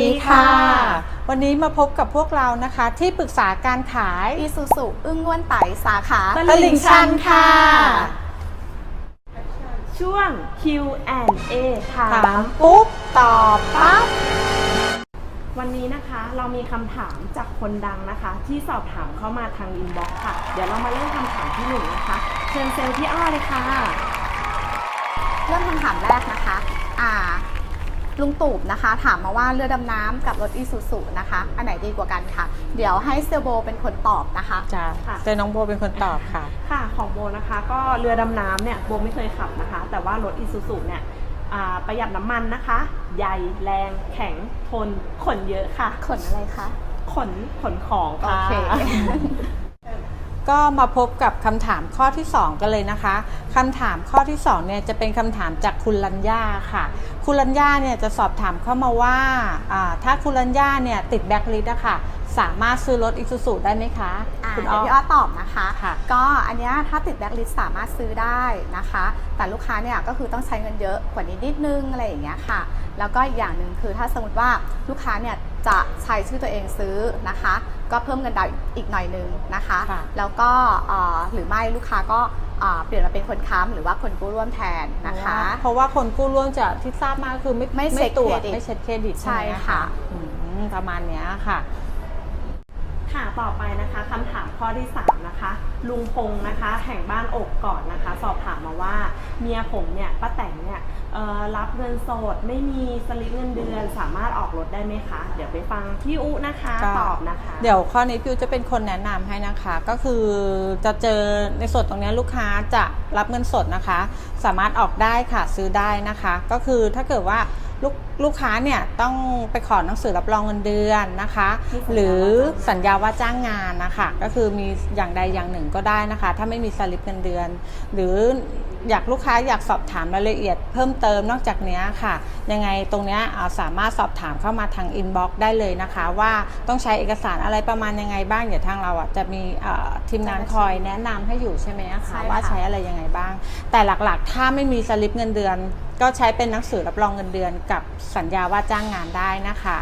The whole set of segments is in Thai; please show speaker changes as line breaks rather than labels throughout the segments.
ดีค่ะวันนี้มาพบกับพวกเรานะคะที่ปรึกษาการขาย
Isuzu อึ้งง่วนไต่สาขา
ตลิ่งชันค่ะ
ช่วง Q&A ถา
ถาม มปุ๊บตอบปั๊บ
วันนี้นะคะเรามีคำถามจากคนดังนะคะ ที่สอบถามเข้ามาทางอินบ็อกซ์ค่ะ เดี๋ยวเรามาเริ่มคำถามที่หนึ่งนะคะเชิญเซลล์พี่อ้อเลยค่ะ
เริ่มคำถามแรกนะคะลุงตู่นะคะถามมาว่าเรือดำน้ำกับรถ Isuzu นะคะอันไหนดีกว่ากันค่ะเดี๋ยวให้เซลโบเป็นคนตอบนะคะ
จ้า
ค่ะ
เจอน้องโบเป็นคนตอบค่ะ
ค่ะของโบนะคะก็เรือดำน้ำเนี่ยโบไม่เคยขับนะคะ แต่ว่ารถ Isuzu เนี่ยประหยัดน้ำมันนะคะ ใหญ่แรงแข็งทนขนเยอะค่ะ
ขนอะไรคะ
ขนของ
โอ
ค่ะ
เค
ก็มาพบกับคำถามข้อที่ 2 กันเลยนะคะคำถามข้อที่2เนี่ยจะเป็นคำถามจากคุณลัญญาค่ะคุณลัญญาเนี่ยจะสอบถามเข้ามาว่าถ้าคุณลัญญาเนี่ยติดแบ็คลิสต์อะค่ะสามารถซื้อรถ Isuzu ได้ไหมคะคุณ
เดี๋ยวพี่อ้อตอบนะคะ
ค่ะ
ก็อันเนี้ยถ้าติดแบ็คลิสต์สามารถซื้อได้นะคะ แต่ลูกค้าเนี่ยก็คือต้องใช้เงินเยอะกว่านี้นิดนึงอะไรอย่างเงี้ยค่ะแล้วก็อีกอย่างหนึ่งคือถ้าสมมติว่าลูกค้าเนี่ยจะใช้ชื่อตัวเองซื้อนะคะก็เพิ่มเงินดาวน์อีกหน่อยนึงนะคะ แล้วก็หรือไม่ลูกค้าก็เปลี่ยนมาเป็นคนค้ำหรือว่าคนกู้ร่วมแทนนะคะ
เพราะว่าคนกู้ร่วมจะที่ทราบมากคือไม่
เช็ค
ตรวจ
เครดิต
ไม่เช็คเครดิต
ใช่
ไหม
ค่ะ
ประมาณเนี้ยค่ะ
ค่ะต่อไปนะคะคำถามข้อที่3นะคะลุงพงษ์นะคะแห่งบ้านอกก่อนนะคะสอบถามมาว่าเมียผมเนี่ยป้าแตงเนี่ยรับเงินสดไม่มีสลิปเงินเดือนสามารถออกรถได้ไหมคะเดี๋ยวไปฟังพี่อุนะคะตอบนะคะ
เดี๋ยวข้อนี้พี่อุจะเป็นคนแนะนำให้นะคะก็คือจะเจอในส่วนตรงนี้ลูกค้าจะรับเงินสดนะคะสามารถออกได้ค่ะซื้อได้นะคะก็คือถ้าเกิดว่าลูกค้าเนี่ยต้องไปขอหนังสือรับรองเงินเดือนนะคะหรือสัญญาว่าจ้างงานนะคะก็คือมีอย่างใดอย่างหนึ่งก็ได้นะคะถ้าไม่มีสลิปเงินเดือนหรือลูกค้าอยากสอบถามรายละเอียดเพิ่มเติมนอกจากนี้ค่ะยังไงตรงนี้สามารถสอบถามเข้ามาทางอินบ็อกซ์ได้เลยนะคะว่าต้องใช้เอกสารอะไรประมาณยังไงบ้างเดี๋ยวทางเราจะมีทีมงานคอยแนะนำให้อยู่ใช่ไหมคะว่าใช้อะไรยังไงบ้างแต่หลักๆถ้าไม่มีสลิปเงินเดือนก็ใช้เป็นหนังสือรับรองเงินเดือนกับสัญญาว่าจ้างงานได้นะคะ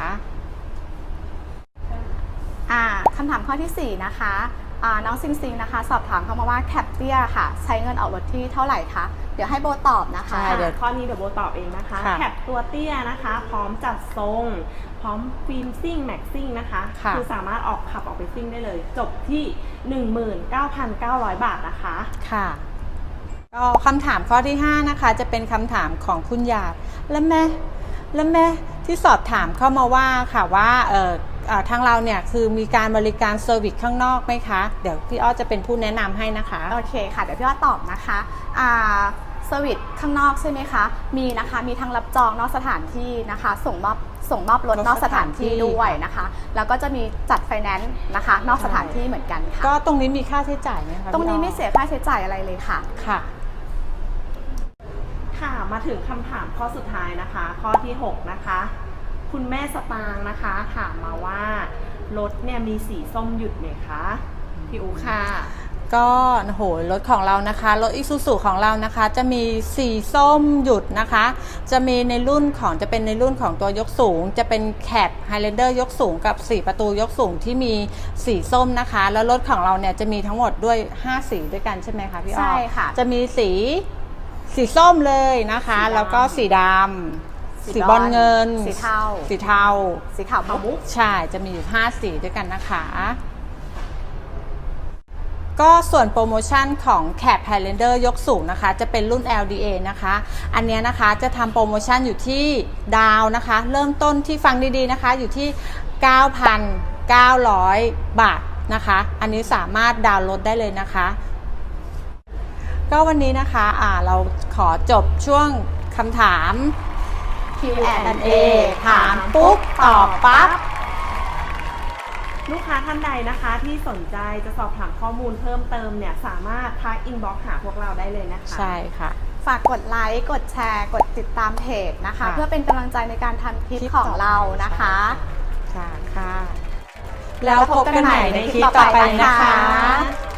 คำถามข้อที่4นะคะน้องซิงซิงนะคะสอบถามเข้ามาว่าแคปเตี้ยค่ะใช้เงินออกรถที่เท่าไหร่คะเดี๋ยวให้โบตอบนะคะ
เดี๋ยวข้อนี้เดี๋ยวโบตอบเองนะคะแคปตัวเตี้ยนะคะพร้อมจัดทรงพร้อมฟิล์มซิ่งแม็กซิ่งนะคะคือสามารถขับออกไปซิ่งได้เลยจบที่ 19,900 บาทนะคะ
ค่ะก็คำถามข้อที่5นะคะจะเป็นคำถามของคุณหยาดและแม่ที่สอบถามเข้ามาว่าค่ะว่าทางเราเนี่ยคือมีการบริการเซอร์วิสข้างนอกไหมคะเดี๋ยวพี่อ้อจะเป็นผู้แนะนำให้นะคะ
โอเคค่ะเดี๋ยวพี่อ้อตอบนะคะเซอร์วิสข้างนอกใช่ไหมคะมีนะคะมีทั้งรับจองนอกสถานที่นะคะส่งมอบรถนอกสถานที่ด้วยนะคะแล้วก็จะมีจัดไฟแนนซ์นะคะนอกสถานที่เหมือนกันค่ะ
ก็ตรงนี้มีค่าใช้จ่ายไหมคะ
ตรงนี้ไม่เสียค่าใช้จ่ายอะไรเลยค่ะ
ค่ะมาถึงคำถามข้อสุดท้ายนะคะข้อที่6นะคะคุณแม่สตางค์นะคะถามมาว่ารถเนี่ยมีสีส้มหยุดไหมคะพี่อูค่ะ
ก็โหรถของเรานะคะรถ Isuzu ของเรานะคะจะมีสีส้มหยุดนะคะจะมีในรุ่นของจะเป็นในรุ่นของตัวยกสูงจะเป็นแคป Highlander ยกสูงกับ4ประตูยกสูงที่มีสีส้มนะคะแล้วรถของเราเนี่ยจะมีทั้งหมดด้วย5สีด้วยกันใช่ไหมคะพี่อ้อ
ใช่ค่ะ
จะมีสีส้มเลยนะคะแล้วก็สีดำสีบอลเงิน
สีเทา
สีขาว
มุก
ใช่จะมีอยู่5สีด้วยกันนะคะก็ส่วนโปรโมชั่นของ Cab Highlander ยกสูงนะคะจะเป็นรุ่น LDA นะคะอันนี้นะคะจะทำโปรโมชั่นอยู่ที่ดาวนะคะเริ่มต้นที่ฟังดีๆนะคะอยู่ที่ 9,900 บาทนะคะอันนี้สามารถดาวน์รถได้เลยนะคะก็วันนี้นะคะเราขอจบช่วงคำถาม
Q&A
ถามปุ๊บตอบปั๊บ
ลูกค้าท่านใดนะคะที่สนใจจะสอบถามข้อมูลเพิ่มเติมเนี่ยสามารถทักอินบ็อกซ์หาพวกเราได้เลยนะคะ
ใช่ค่ะ
ฝากกดไลค์กดแชร์กดติดตามเพจนะคะเพื่อเป็นกำลังใจในการทำคลิปของเรานะคะ
ค่ะแล้วพบกันใหม่ในคลิปต่อไปนะคะ